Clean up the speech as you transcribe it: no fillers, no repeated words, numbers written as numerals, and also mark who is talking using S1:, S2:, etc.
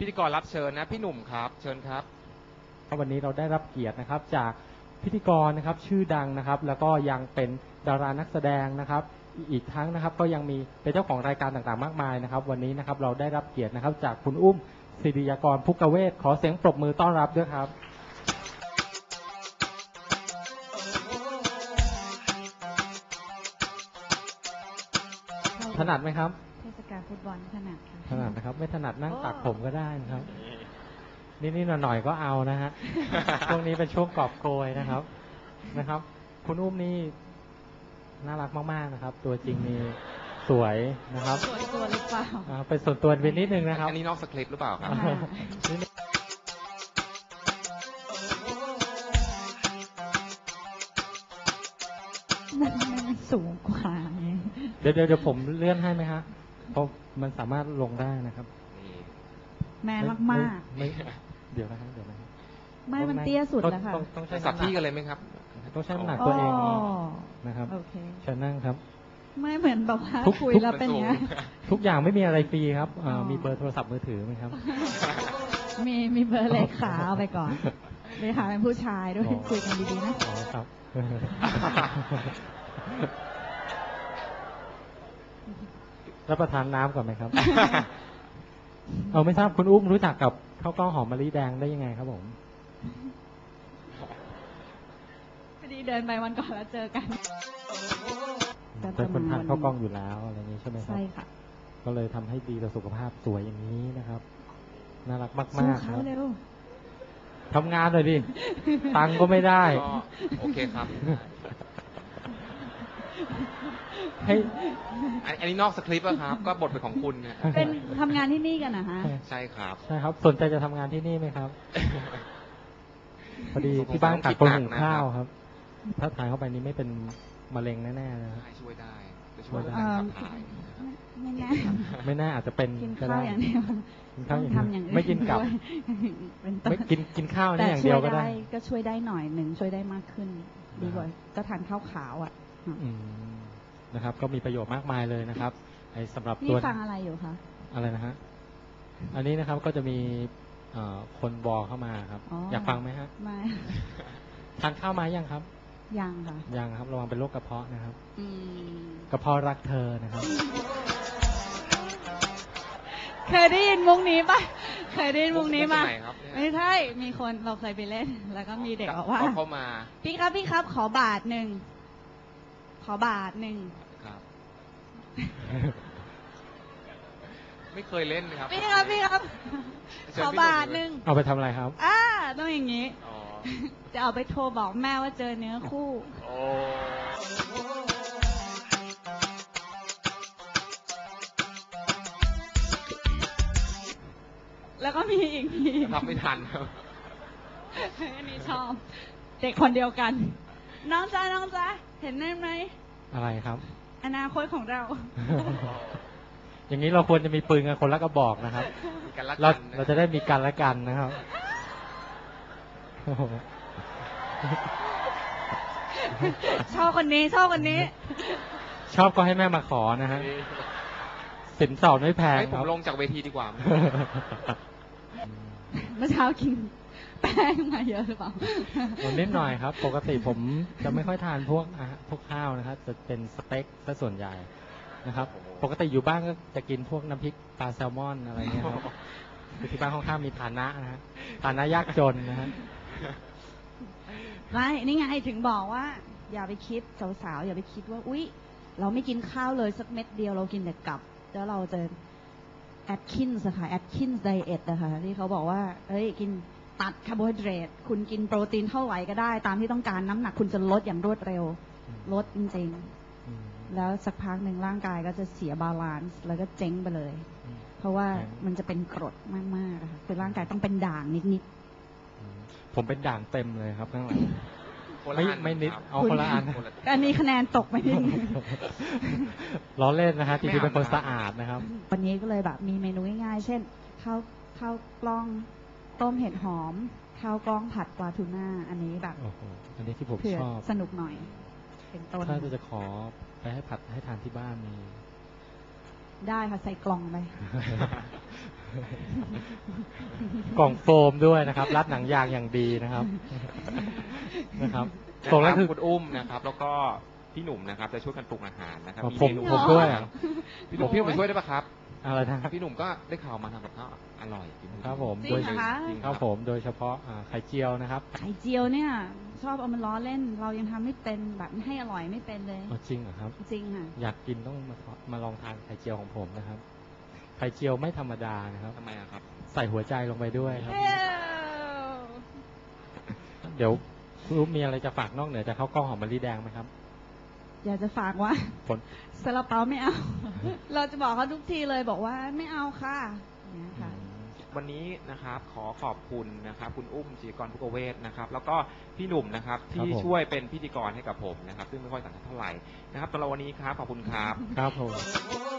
S1: พิธีกรรับเชิญนะพี่หนุ่มครับเชิญครับ
S2: วันนี้เราได้รับเกียรตินะครับจากพิธีกรนะครับชื่อดังนะครับแล้วก็ยังเป็นดารานักแสดงนะครับอีกทั้งนะครับก็ยังมีเป็นเจ้าของรายการต่างๆมากมายนะครับวันนี้นะครับเราได้รับเกียรตินะครับจากคุณอุ้มศิริยากรพุกเวศขอเสียงปรบมือต้อนรับด้วยครับถนัดไหมครับ
S3: เทศกาลฟุตบอลถนัดค่ะ
S2: ถนัดนะครับไม่ถนัดนั่งตักผมก็ได้นะครับนิดๆหน่อยๆก็เอานะฮะช่วงนี้เป็นช่วงกอบโกยนะครับคุณอุ้มนี่น่ารักมากๆนะครับตัวจริงนี่สวยนะครับ
S3: สวยตัวหรือเปล่า
S2: เป็นส่วนตัวเป็นนิดนึงนะครับ
S1: อันนี้นอกสคริปต์หรือเปล่าครับ
S3: มันสูงกว่า
S2: เดี๋ยวผมเลื่อนให้ไหมฮะเพราะมันสามารถลงได้นะครับ
S3: แม่มาก
S2: ๆเดี๋ยวนะครับ
S3: ไม่มันเตี้ยสุดแล้วค่ะ
S1: ต้องใช้สับที่กันเลยไหมครับ
S2: ต้องใช้น้ำหนักตัวเองนะครับเชิญนั่งครับ
S3: ไม่เหมือนแบบว่าคุยแล้วเป็นเนี้ย
S2: ทุกอย่างไม่มีอะไรฟรีครับมีเบอร์โทรศัพท์มือถือไหมครับ
S3: มีเบอร์เลขาเอาไปก่อนเลขาเป็นผู้ชายด้วยคุยกันดีๆนะ
S2: อ๋อครับรับประทานน้ำก่อนไหมครับไม่ทราบคุณอุ้มรู้จักกับข้าวกล้องหอมมะลิแดงได้ยังไงครับผม
S3: พอดีเดินไปวันก่อนแล้วเจอกัน
S2: เป็นคนทานข้าวกล้องอยู่แล้วอะไรนี้ใช่ไหมครับ
S3: ใช่ค่ะ
S2: ก็เลยทำให้ดีต่อสุขภาพสวยอย่างนี้นะครับน่ารักมากๆครับทำงานเลยดิตังก็ไม่ได้
S1: โอเคครับ
S2: ให้
S1: อันนี้นอกสคริปต์อะครับก็บทเป็นของคุณเนี่ย
S3: เป็นทำงานที่นี่กันนะฮะ
S1: ใช่ครับ
S2: ใช่ครับสนใจจะทำงานที่นี่ไหมครับพอดีที่บ้านขาดคนหุงข้าวครับถ้าทานเข้าไปนี้ไม่เป็นมะเร็งแน่ๆนะ
S1: ช่วยได้จะช่วยการขับถ่าย
S2: ไม่แน่อาจจะเป็น
S3: กินข้าวอย่างเดียว
S2: กินข้าวอย่างไม่กินกับไม่กินข้าวนี่อย่างเดียวก็ได้
S3: ก็ช่วยได้หน่อยหนึ่งช่วยได้มากขึ้นดีกว่าก็ทานข้าวขาวอ่ะ
S2: นะครับก็มีประโยชน์มากมายเลยนะครับสำหรับตัว
S3: นี่ฟังอะไรอยู่คะ
S2: อะไรนะฮะอันนี้นะครับก็จะมีคนบอกเข้ามาครับอยากฟังไหมฮะ
S3: ไม่
S2: ทานข้าวมายังครับ
S3: ยังค่ะ
S2: ยังครับระวังเป็นโรคกระเพาะนะครับกระเพาะรักเธอนะครับ
S3: เคยได้ยินมุกนี้ปะเคยได้ยินมุกนี้มาไม่ใช่มีคนเราเคยไปเล่นแล้วก็มีเด็กบอกว่า
S1: เข้ามา
S3: พี่ครับขอบาทหนึ่ง
S1: ครับไม่เคยเล่นนะครับ
S3: พี่ครับขอบาทหนึ่ง
S2: เอาไปทำอะไรครับ
S3: ต้องอย่างนี้จะเอาไปโทรบอกแม่ว่าเจอเนื้อคู่แล้วก็มีอีกที
S1: ทำไม่ทันครับ
S3: อันนี้ชอบเด็กคนเดียวกันน้องจ๊ะเห็นได้ไหม
S2: อะไรครับ
S3: อนาคตของเรา
S2: อย่างนี้เราควรจะมีปืนกันคนละกระบอกนะครับเราจะได้มีกันและกันนะครับ
S3: ชอบคนนี้
S2: ชอบก็ให้แม่มาขอนะฮะสินสอดไม่แพง
S1: ผมลงจากเวทีดีกว่า
S3: เมื่อเช้ากินแป้งมาเยอะหรือเปล่า
S2: นิดหน่อยครับปกติผมจะไม่ค่อยทานพวกข้าวนะครับจะเป็นสเต็กซะส่วนใหญ่นะครับปกติอยู่บ้านก็จะกินพวกน้ำพริกปลาแซลมอนอะไรเงี้ยครับที่บ้านค่อนข้างมีฐานะนะฮะฐานะยากจนนะฮะ
S3: ไม่นี่ไงถึงบอกว่าอย่าไปคิดสาวๆอย่าไปคิดว่าอุ๊ยเราไม่กินข้าวเลยสักเม็ดเดียวเรากินแต่กับแล้วเราจะแอดคินส์ค่ะแอดคินส์ไดเอทนะคะที่เขาบอกว่ากินตัดคาร์โบไฮเดรตคุณกินโปรตีนเท่าไหร่ก็ได้ตามที่ต้องการน้ำหนักคุณจะลดอย่างรวดเร็วลดจริงๆแล้วสักพักหนึ่งร่างกายก็จะเสียบาลานซ์แล้วก็เจ๊งไปเลยเพราะว่ามันจะเป็นกรดมากๆนะคะคือร่างกายต้องเป็นด่างนิด
S2: ๆผมเป็นด่างเต็มเลยครับข้างหลังไม่นิดเอาคนละอัน
S3: อันนี้คะแนนตกไปนิด
S2: ล้อเล่นนะฮะจริงๆเป็นคนสะอาดนะครับ
S3: วันนี้ก็เลยแบบมีเมนูง่ายๆเช่นข้าวกล้องต้มเห็ดหอมข้าวกล้องผัดปลาทูน่าอันนี้แบบ
S2: อันนี้ที่ผมชอบ
S3: สนุกหน่อยเป็นต้น
S2: ถ้าจะขอไปให้ผัดให้ทานที่บ้านมี
S3: ได้ค่ะใส่กล่องไป
S2: กล่องโฟมด้วยนะครับ รัดหนังยางอย่างดีนะครับ นะครับตรงนั้นคือ
S1: คุณอุ้มนะครับ แล้วก็พี่หนุ่มนะครับจะช่วยกันปรุงอาหารนะครับ
S2: ผม
S1: เนู
S2: ผมด้วยอะ
S1: พี่หนุ่มไปช่วยได้ปะครับ
S2: อะไรนะ
S1: พี่หนุ่มก็ได้ข่าวมาทำกับข้าวอร่อยจริงๆ
S2: ครับผม
S3: จริ
S2: โด
S3: ง
S2: ย
S3: เหรอคะ
S1: จริง
S2: ครับผมโดยเฉพาะไข่เจียวนะครับ
S3: ไข่เจียวเนี่ย ชอบเอามันล้อเล่น เรายังทำไม่เป็นแบบให้อร่อยไม่เป็นเลย
S2: อ๋อจริงเหรอครับ
S3: จริงค่ะ
S2: อยากกินต้องมาลองทานไข่เจียวของผมนะครับ ไข่เจียวไม่ธรรมดานะครับ
S1: ทำไมอะครับ
S2: ใส่หัวใจลงไปด้วยครับ
S3: เอ้ว
S2: เดี๋ยวคุณอุ๊บมีอะไรจะฝากนอกเหนือจากข้าวกล้องหอมมะลิแดงไหมครับ
S3: อยากจะฝากว่า
S2: ผล
S3: ซาลาเปาไม่เอา เราจะบอกเขาทุกทีเลยบอกว่าไม่เอาค่ะอย่างเงี้ยค่ะ
S1: วันนี้นะครับขอขอบคุณนะครับคุณอุ้มจิตรกรภุกเวศนะครับแล้วก็พี่หนุ่มนะครับที่ช่วยเป็นพิธีกรให้กับผมนะครับซึ่งไม่ค่อยสันทัดเท่าไหร่นะครับสำหรับวันนี้ครับขอบคุณครับ
S2: ครับผม